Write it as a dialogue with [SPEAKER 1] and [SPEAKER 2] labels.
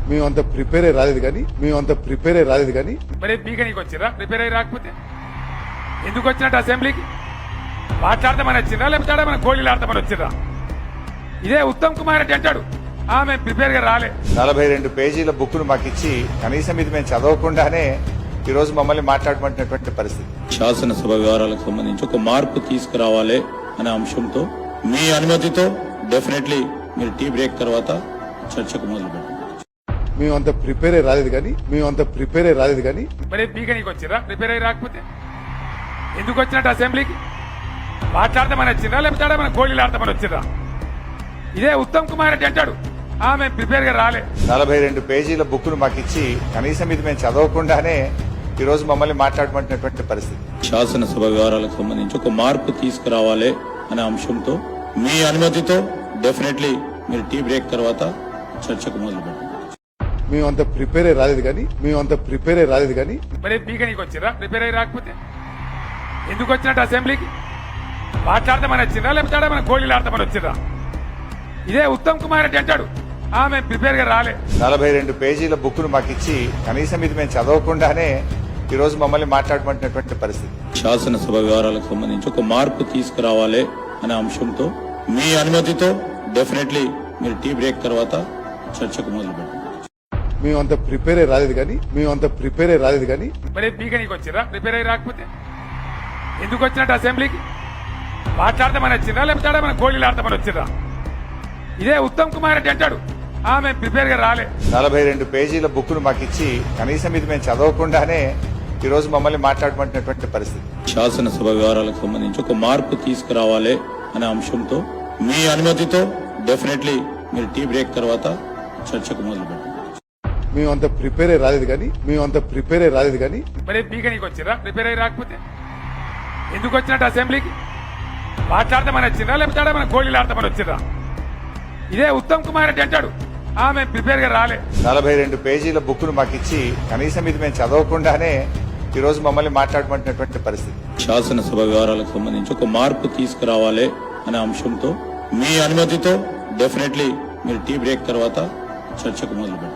[SPEAKER 1] మేమంత prepare అయ్యి రాలేదు కానీ
[SPEAKER 2] మరి పీకనీకి వచ్చిరా ప్రిపేర్ అయ్యి రాకపోతే ఎందుకు వచ్చినట్టు అసెంబ్లీకి మాట్లాడతామని వచ్చిందా లేకపోతే మన గోళీలు ఆడతామని వచ్చిందా? ఇదే ఉత్తమ్ కుమార్ రెడ్డి అంటాడు మేము ప్రిపేర్ గా రాలే.
[SPEAKER 3] 42 పేజీల బుక్ ను మాకు ఇచ్చి కనీసం ఇది మేము చదవకుండానే ఈ రోజు మమ్మల్ని మాట్లాడమంటున్నటువంటి పరిస్థితి.
[SPEAKER 4] శాసనసభ వ్యవహారాలకు సంబంధించి ఒక మార్పు తీసుకురావాలి అనే అంశంతో మీ అనుమతితో డెఫినెట్లీ మీరు టీ బ్రేక్ తర్వాత చర్చకు మొదలు పెట్టండి.
[SPEAKER 1] మేమంత ప్రిపేర్ అయ్యి రాలేదు కానీ
[SPEAKER 2] మరి పీకనీకి వచ్చిరా ప్రిపేర్ అయ్యి రాకపోతే ఎందుకు వచ్చినట్టు అసెంబ్లీకి మాట్లాడతామని వచ్చిందా లేకపోతే మన గోళీలు ఆడతామని వచ్చిందా? ఇదే ఉత్తమ్ కుమార్ రెడ్డి అంటాడు మేము ప్రిపేర్ గా రాలే.
[SPEAKER 3] 42 పేజీల బుక్ ను మాకు ఇచ్చి కనీసం ఇది మేము చదవకుండానే ఈ రోజు మమ్మల్ని మాట్లాడమంటున్నటువంటి పరిస్థితి.
[SPEAKER 4] శాసనసభ వ్యవహారాలకు సంబంధించి ఒక మార్పు తీసుకురావాలి అనే అంశంతో మీ అనుమతితో డెఫినెట్లీ మీరు టీ బ్రేక్ తర్వాత చర్చకు మొదలు పెట్టండి.
[SPEAKER 1] మేమంత ప్రిపేర్ అయ్యి రాలేదు కానీ
[SPEAKER 2] మరి పీకనీకి వచ్చిరా ప్రిపేర్ అయ్యి రాకపోతే ఎందుకు వచ్చినట్టు అసెంబ్లీకి మాట్లాడతామని వచ్చిందా లేకపోతే మన గోళీలు ఆడతామని వచ్చిందా? ఇదే ఉత్తమ్ కుమార్ రెడ్డి అంటాడు మేము ప్రిపేర్ గా రాలే.
[SPEAKER 3] 42 పేజీల బుక్ ను మాకు ఇచ్చి కనీసం ఇది మేము చదవకుండానే ఈ రోజు మమ్మల్ని మాట్లాడమంటున్నటువంటి పరిస్థితి.
[SPEAKER 4] శాసనసభ వ్యవహారాలకు సంబంధించి ఒక మార్పు తీసుకురావాలి అనే అంశంతో మీ అనుమతితో డెఫినెట్లీ మీరు టీ బ్రేక్ తర్వాత చర్చకు మొదలు పెట్టండి.
[SPEAKER 1] మేమంత ప్రిపేర్ అయ్యి రాలేదు కానీ
[SPEAKER 2] మరి పీకనీకి వచ్చిరా ప్రిపేర్ అయ్యి రాకపోతే ఎందుకు వచ్చినట్టు అసెంబ్లీకి మాట్లాడతామని వచ్చిందా లేకపోతే మన గోళీలు ఆడతామని వచ్చిందా? ఇదే ఉత్తమ్ కుమార్ రెడ్డి అంటాడు మేము ప్రిపేర్ గా రాలే.
[SPEAKER 3] 42 పేజీల బుక్ ను మాకు ఇచ్చి కనీసం ఇది మేము చదవకుండానే ఈ రోజు మమ్మల్ని మాట్లాడమంటున్నటువంటి పరిస్థితి.
[SPEAKER 4] శాసనసభ వ్యవహారాలకు సంబంధించి ఒక మార్పు తీసుకురావాలి అనే అంశంతో మీ అనుమతితో డెఫినెట్లీ మీరు టీ బ్రేక్ తర్వాత చర్చకు మొదలు పెట్టండి.
[SPEAKER 1] మేమంత ప్రిపేర్ అయ్యి రాలేదు కానీ
[SPEAKER 2] మరి పీకనీకి వచ్చిరా ప్రిపేర్ అయ్యి రాకపోతే ఎందుకు వచ్చినట్టు అసెంబ్లీకి మాట్లాడతామని వచ్చిందా లేకపోతే మన గోళీలు ఆడతామని వచ్చిందా? ఇదే ఉత్తమ్ కుమార్ రెడ్డి అంటాడు మేము ప్రిపేర్ గా రాలే.
[SPEAKER 3] 42 పేజీల బుక్ ను మాకు ఇచ్చి కనీసం ఇది మేము చదవకుండానే ఈ రోజు మమ్మల్ని మాట్లాడమంటున్నటువంటి పరిస్థితి.
[SPEAKER 4] శాసనసభ వ్యవహారాలకు సంబంధించి ఒక మార్పు తీసుకురావాలి అనే అంశంతో మీ అనుమతితో డెఫినెట్లీ మీరు టీ బ్రేక్ తర్వాత చర్చకు మొదలు పెట్టండి.